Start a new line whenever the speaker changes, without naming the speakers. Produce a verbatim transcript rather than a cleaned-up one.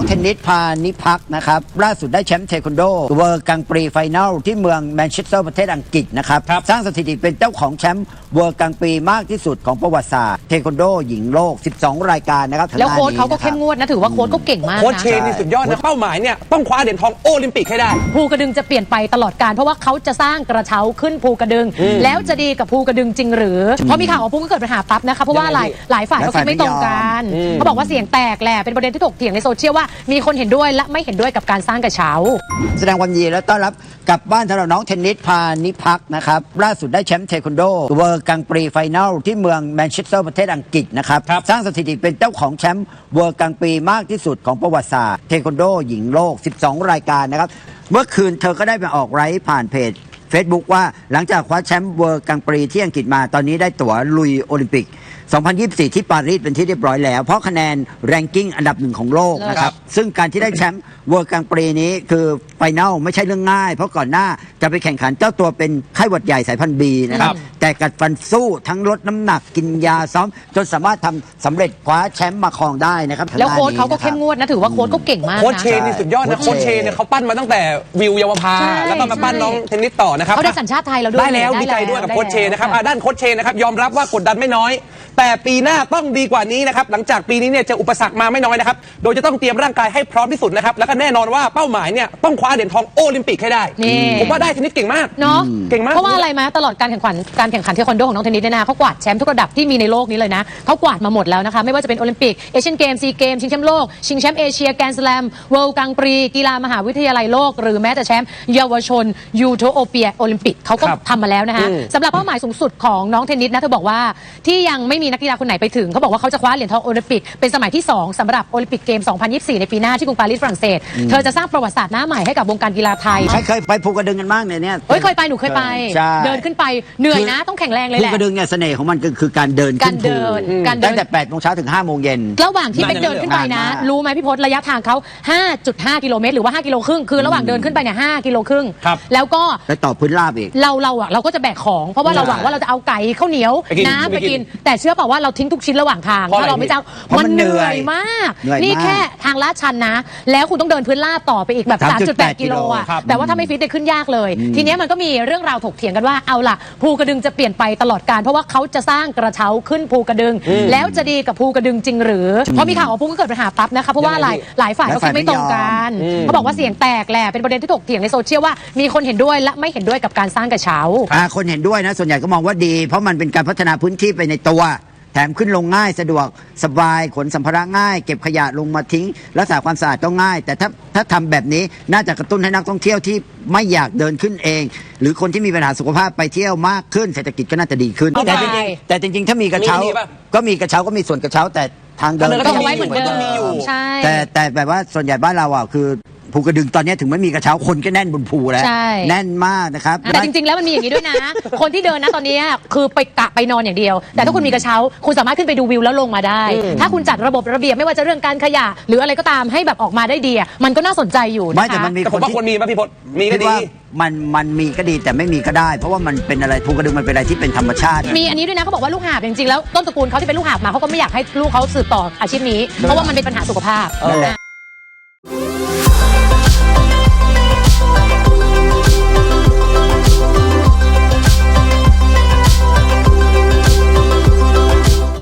องเทนนิสพานิพักนะครับล่าสุดได้แชมป์เทควันโดเวิลด์กังปรีไฟแนลที่เมืองแมนเชสเตอร์ประเทศอังกฤษนะครับสร้างสถิติเป็นเจ้าของแชมป์เวิลด์กังปรีมากที่สุดของประวัติศาสตร์เทควันโดหญิงโลกสิบสองรายการนะครับ
แล้วโค้ชเขาก็เข้มงวดนะถือว่าโค้ชก็เก่งมากนะ
โค้ชเชนนี่สุดยอดนะเป้าหมายเนี่ยต้องคว้าเหรียญทองโอลิมปิกให้ได้
ภูกระดึงจะเปลี่ยนไปตลอดการเพราะว่าเขาจะสร้างกระเช้าขึ้นภูกระดึงแล้วจะดีกับภูกระดึงจริงหรือเพราะมีข่าวว่าภูก็เกิดปัญหาปั๊บนะคะเพราะว่าหลายหลายฝ่ายเขาคิดไม่ตรงกันเขาบอกว่าเสียงแตกแหละเป็นประเด็นที่ถกเถียงในโซเชียลว่ามีคนเห็นด้วยและไม่เห็นด้วยกับการสร้างกระเช้า
แสดงความยินดีและต้อนรับกลับบ้านสำหรับน้องเทนนิสพานิพักนะครับล่าสุดได้แชมป์เทควันโดเวิลด์กังปรีไฟแนลที่เมืองแมนเชสเตอร์ประเทศอังกฤษนะครับสร้างสถิติเป็นเจ้าของแชมป์เวิลด์กังปรีมากที่สุดของประวัติศาสตร์เทควันโดหญิงโลกสิบสองรายการนะครับเมื่อคืนเธอก็ได้ไปออกไลฟ์ผ่านเพจ Facebook ว่าหลังจากคว้าแชมป์เวิลด์กังปรีที่อังกฤษมาตอนนี้ได้ตั๋วลุยโอลิมปิกสองพันยี่สิบสี่ที่ปารีสเป็นที่เรียบร้อยแล้วเพราะคะแนนแรงกิ้งอันดับหนึ่งของโลกนะครับซึ่งการที่ได้แชมป์เวิลด์กังปรีนี้คือไฟแนลไม่ใช่เรื่องง่ายเพราะก่อนหน้าจะไปแข่งขันเจ้าตัวเป็นไข้หวัดใหญ่สายพันธุ์บีนะครับแต่กัดฟันสู้ทั้งลดน้ำหนักกินยาซ้อมจนสามารถทำสำเร็จคว้าแชมป์มาครองได้นะครับ
แล้วโค้ชเขาก็เข้มงวดนะถือว่าโค้ชก็เก่งมากนะ
โค้ชเชนนี่สุดยอดนะโค้ชเชนเนี่ยเขาปั้นมาตั้งแต่วิวเยาวภาแล้วก็มาปั้นน้องเทนนิสต่อนะครับ
เขาได้สัญชาติไทยแล้วด้วย
ได้แล้วดีใจด้วยกับโค้ชเชนนะครับด้านโค้ชเชนนะครับยอมรับว่ากดดันไม่น้อยแต่ปีหน้าต้องดีกว่านี้นะครับหลังจากปีนี้เนี่ยจะอุปสรรคมาไม่น้อยนะครับโดยจะต้องเตรียมร่างกายให้พร้อมที่สุดนะครับแล้วก็แน่นอนว่าเป้าหมายเนี่ยต้องคว้าเหรียญทองโอลิมปิกให้ได้ผมว่าได้เทนนิสเก่งมาก
เนาะ
เก่งมาก
เพราะว่าอะไรมาตลอดการแข่งขันการแข่งขันเทควันโดของน้องเทนนิสเนี่ยนะเขากวาดแชมป์ทุกระดับที่มีในโลกนี้เลยนะเขากวาดมาหมดแล้วนะคะไม่ว่าจะเป็นโอลิมปิกเอเชียนเกมซีเกมชิงแชมป์โลกชิงแชมป์เอเชียแกรนด์สแลมเวิลด์กังปรีกีฬามหาวิทยาลัยโลกหรือแม้แต่แชมป์เยาวชนยูโทโอเปียโอลิมปิกเขาก็ทำมาแล้วนะคะสำหรับเป้าหมายสูงสุดของน้องเทนนิสนะเธอบอกว่าที่ยังไม่มีนักกีฬาคนไหนไปถึงเขาบอกว่าเขาจะคว้าเหรียญทองโอลิมปิกเป็นสมัยที่สองสำหรับโอลิมปิกเกมสองพันยี่สิบสี่ในปีหน้าที่กรุงปารีสฝรั่งเศสเธอจะสร้างประวัติศาสตร์หน้าใหม่ให้กับวงการกีฬาไทย
เคยไปภูกระดึงกันบ้างเนี่ย
เฮ้ยเคยไปหนูเคยไปเดินขึ้นไปเหนื่อยนะต้องแข็งแรงเลยแหละ
ภูกระดึงเนี่ยเสน่ห์ของมันคือการเดินขึ้นภูตั้งแต่แปดโมงเช้าถึงห้าโมงเย็น
ระหว่างที่ไปเดินขึ้นไปนะรู้ไหมพี่พศระยะทางเขา ห้าจุดห้า กิโลเมตรหรือว่าห้ากิโลครึ่งคือระหว่างเดินขึ้นไปเนี่ยห้ากิโลครึ่งแล้วก็
ไปต่อพื้นราบอีก
เราเราอ่ะเราก็จะแบกของเพราะว่าเราหวังว่าเราจะเอาไก่ข้าวเหนียวน้ำไปกินแต่เชื่อเปล่าว่าเราทิ้งทุกชิ้นระหว่างทางถ้าเราไม่จ้างมันเหนื่อยมากนี่แค่ทางลาดชันนะแล้วคุณต้องเดินพื้นราบต่อไปอีกแบบ สามจุดแปด กิโลอ่ะแต่ว่าถ้าไม่ฟิตได้ขึ้นยากเลยทีนี้มันก็มีเรื่องราวถกเถียงกันว่าเอาล่ะภูกระดึงจะเปลี่ยนไปตลอดการเพราะว่าเขาจะสร้างกระเช้าขึ้นภูกระดึงแล้วจะดีกับภูกระดึงจริงหรือเพราะมีข่าวว่าภูก็เกิดปัญหาปั๊บนะคะเพราะว่าหลายหลายฝ่ายเขาคิดไม่ตรงกันเขาบอกว่าเสียงแตกแหละเป็นประเด็นที่ถกเถียงในโซเชียลว่ามีคนเห็นด้วยและไม่เห็นด้วยกับการสร้างกระเช้า
คนเห็นด้วยนะส่วนใหญ่ก็มองว่าดีเพราะมันเป็นการพัฒนาพื้นที่ไปในตัวแถมขึ้นลงง่ายสะดวกสบายขนสัมภาระง่ายเก็บขยะลงมาทิ้งรักษาความสะอาดก็ง่ายแต่ถ้าถ้าทำแบบนี้น่าจะกระตุ้นให้นักท่องเที่ยวที่ไม่อยากเดินขึ้นเองหรือคนที่มีปัญหาสุขภาพไปเที่ยวมากขึ้นเศรษฐกิจก็น่าจะดีขึ้นแต่จริงๆแต่จริงๆถ้ามีกระเช้าก็มีกระเช้าก็มีส่วนกระเช้าแต่ทางเดิน
ก็ไว้เหมือนเดิม
แต่แต่แบบว่าส่วนใหญ่บ้านเราอ่ะคือภูกระดึงตอนนี้ถึงไม่มีกระเช้าคนก็แน่นบนภูแล้วแน่นมากนะครับ
แต่จริงๆแล้วมันมีอย่างนี้ด้วยนะคนที่เดินนะตอนนี้คือไปกะไปนอนอย่างเดียวแต่ถ้าคุณมีกระเช้าคุณสามารถขึ้นไปดูวิวแล้วลงมาได้ถ้าคุณจัดระบบระเบียบไม่ว่าจะเรื่องการขยะหรืออะไรก็ตามให้แบบออกมาได้ดีมันก็น่าสนใจอยู่นะคะ
ไม่แต่มันมีคน
ที่ควรมีป่ะพี่พศมีก็ดี
มันมันมีก็ดีแต่ไม่มีก็ได้เพราะว่ามันเป็นอะไรภูกระดึงมันเป็นอะไรที่เป็นธรรมชาติ
มีอันนี้ด้วยนะเขาบอกว่าลูกหาบจริงๆแล้วต้นตระกูลเขาที่เป็นลูกหาบมาเขาก็ไม่อยากให้ลูกเขาสืบต่ออาชีพนี้เพราะว่ามันเป็นปัญหาสุขภาพ